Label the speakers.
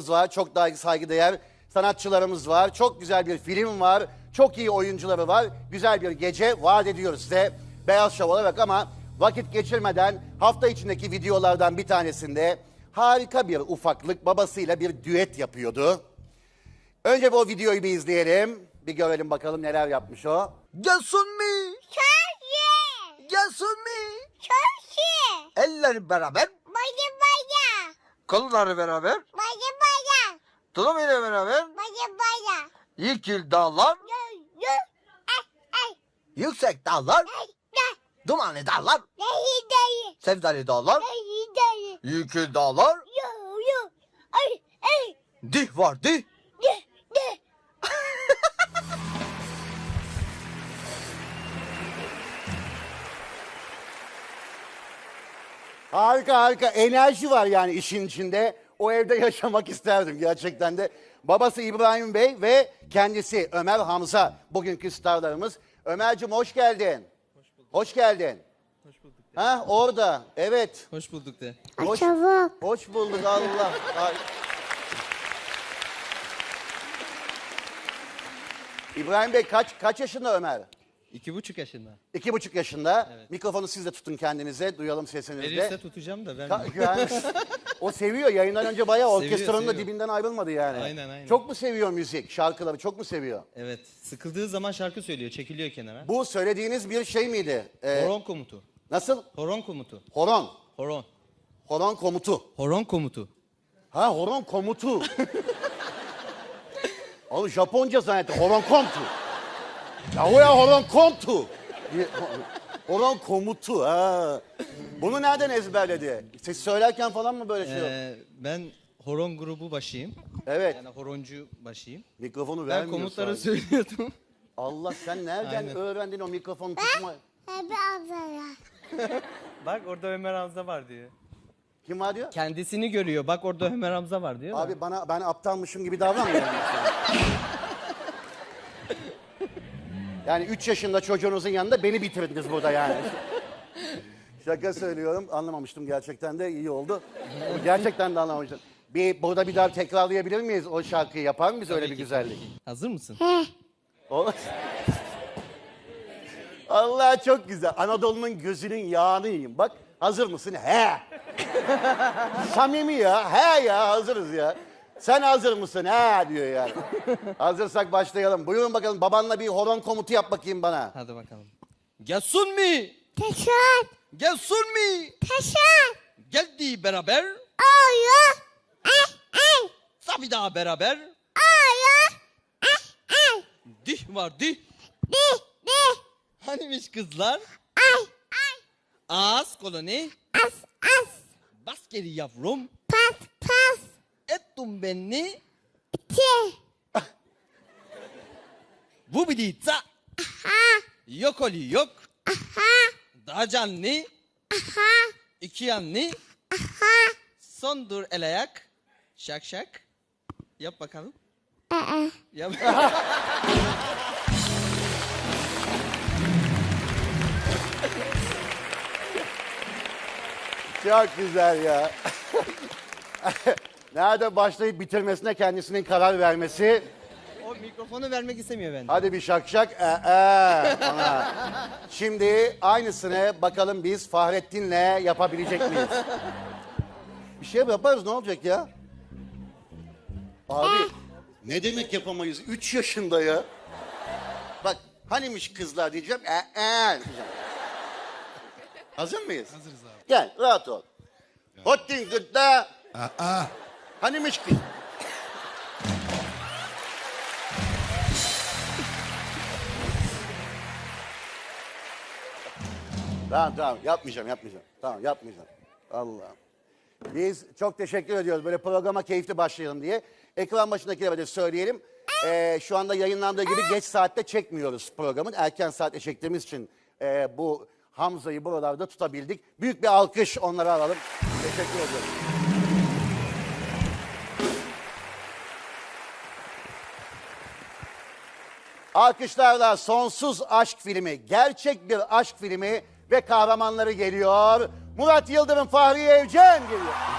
Speaker 1: hocalarımız var. Çok daha saygıdeğer sanatçılarımız var. Çok güzel bir film var. Çok iyi oyuncuları var. Güzel bir gece vaat ediyoruz size Beyaz Şov olarak ama vakit geçirmeden hafta içindeki videolardan bir tanesinde harika bir ufaklık babasıyla bir düet yapıyordu. Önce o videoyu bir izleyelim. Bir görelim bakalım neler yapmış o.
Speaker 2: Gelsin mi?
Speaker 3: Köşe.
Speaker 2: Gelsin mi?
Speaker 3: Köşe.
Speaker 2: Elleri beraber,
Speaker 3: Baya baya.
Speaker 2: kolları beraber,
Speaker 3: Baya baya.
Speaker 2: tulum ile beraber,
Speaker 3: Baya baya.
Speaker 2: yekil dağlar,
Speaker 3: Yo. Ay.
Speaker 2: yüksek dağlar,
Speaker 3: Ay.
Speaker 2: dumanlı dağlar,
Speaker 3: Dayı.
Speaker 2: sevdali dağlar,
Speaker 3: Dayı.
Speaker 2: yekil dağlar,
Speaker 3: Yo. Ay.
Speaker 2: dih var dih.
Speaker 3: De.
Speaker 1: Harika harika enerji var yani işin içinde. O evde yaşamak isterdim gerçekten de. Babası İbrahim Bey ve kendisi Ömer Hamza bugünkü starlarımız. Ömerciğim hoş geldin. Hoş geldin.
Speaker 4: Hoş bulduk.
Speaker 1: Ha orada evet.
Speaker 4: Hoş bulduk de.
Speaker 1: Hoş,
Speaker 3: Çabuk.
Speaker 1: hoş bulduk Allah. Ay. İbrahim Bey kaç yaşında Ömer?
Speaker 4: 2,5 yaşında.
Speaker 1: 2,5 yaşında.
Speaker 4: Evet.
Speaker 1: Mikrofonu siz de tutun kendinize. Duyalım sesinizi de.
Speaker 4: Verirse tutacağım da vermiyor.
Speaker 1: Yani, o seviyor. Yayından önce bayağı orkestranın da
Speaker 4: seviyor.
Speaker 1: dibinden ayrılmadı yani.
Speaker 4: Aynen.
Speaker 1: Çok mu seviyor müzik, şarkıları çok mu seviyor?
Speaker 4: Evet. Sıkıldığı zaman şarkı söylüyor. Çekiliyor kenara.
Speaker 1: Bu söylediğiniz bir şey miydi?
Speaker 4: Horon komutu.
Speaker 1: Nasıl?
Speaker 4: Horon komutu.
Speaker 1: Horon.
Speaker 4: Horon.
Speaker 1: Horon komutu.
Speaker 4: Horon komutu.
Speaker 1: Ha horon komutu. Oğlum Japonca zannettim. Horon komutu. Ya o ya horon komutu. Horon komutu ha. Bunu nereden ezberledi? Siz söylerken falan mı böyle şey yok?
Speaker 4: Ben horon grubu başıyım.
Speaker 1: Evet.
Speaker 4: Yani horoncu başıyım.
Speaker 1: Mikrofonu
Speaker 4: Ben
Speaker 1: vermiyor
Speaker 4: komutları
Speaker 1: sahibi.
Speaker 4: söylüyordum.
Speaker 1: Allah sen nereden
Speaker 4: Aynen.
Speaker 1: öğrendin o mikrofonu tutma?
Speaker 3: Hebe ablaya.
Speaker 4: Bak orada Ömer Hamza var diyor.
Speaker 1: Kim var diyor?
Speaker 4: Kendisini görüyor. Bak orada Ömer Hamza var diyor.
Speaker 1: Abi ben aptalmışım gibi davranmıyorum. Yani 3 yaşında çocuğunuzun yanında beni bitirdiniz burada yani. Şaka söylüyorum. Anlamamıştım gerçekten de iyi oldu. Gerçekten de anlamamıştım. Burada bir daha tekrarlayabilir miyiz o şarkıyı? Yapar mıyız öyle bir
Speaker 4: ki,
Speaker 1: güzellik?
Speaker 4: Hazır mısın?
Speaker 1: Olur. Allah çok güzel. Anadolu'nun gözünün yağını yiyeyim. Bak hazır mısın? He. Samimi ya. He ya hazırız ya. Sen hazır mısın? He diyor yani. Hazırsak başlayalım. Buyurun bakalım babanla bir horon komutu yap bakayım bana.
Speaker 4: Hadi bakalım. Gelsin mi?
Speaker 3: Teşer.
Speaker 4: Gelsin mi?
Speaker 3: Teşer.
Speaker 4: Geldi beraber.
Speaker 3: Oyo. Ay.
Speaker 4: Tabii daha beraber.
Speaker 3: Oyo. Ay.
Speaker 4: Dih var dih.
Speaker 3: De.
Speaker 4: Hanimiş kızlar?
Speaker 3: Ay.
Speaker 4: Ağız koloni.
Speaker 3: As.
Speaker 4: Bas geri yavrum.
Speaker 3: Pas.
Speaker 4: Ettum benni.
Speaker 3: Te.
Speaker 4: Bu biditsa. Yok oli yok. Daha canlı. İki yanlı. Son dur el ayak. Şak şak. Yap bakalım. Yap.
Speaker 1: Çok güzel ya. Nerede başlayıp bitirmesine kendisinin karar vermesi.
Speaker 4: O mikrofonu vermek istemiyor benden.
Speaker 1: Hadi bir şak şak. Ona. Şimdi aynısını bakalım biz Fahrettin'le yapabilecek miyiz? Bir şey yaparız ne olacak ya? Abi ne demek yapamayız? 3 yaşında ya. Bak hanimiş kızlar diyeceğim. Diyeceğim. Hazır mıyız?
Speaker 4: Hazırız abi.
Speaker 1: Gel rahat ol. Hottin gıdda. Hanimiş kız. Tamam yapmayacağım. Tamam yapmayacağım. Allah'ım. Biz çok teşekkür ediyoruz böyle programa keyifli başlayalım diye. Ekran başındakilere de söyleyelim. Şu anda yayınlandığı gibi geç saatte çekmiyoruz programın. Erken saatte çektiğimiz için bu Hamza'yı buralarda tutabildik. Büyük bir alkış onlara alalım. Teşekkür ediyoruz. Alkışlarla Sonsuz Aşk filmi, gerçek bir aşk filmi ve kahramanları geliyor. Murat Yıldırım, Fahriye Evcen geliyor.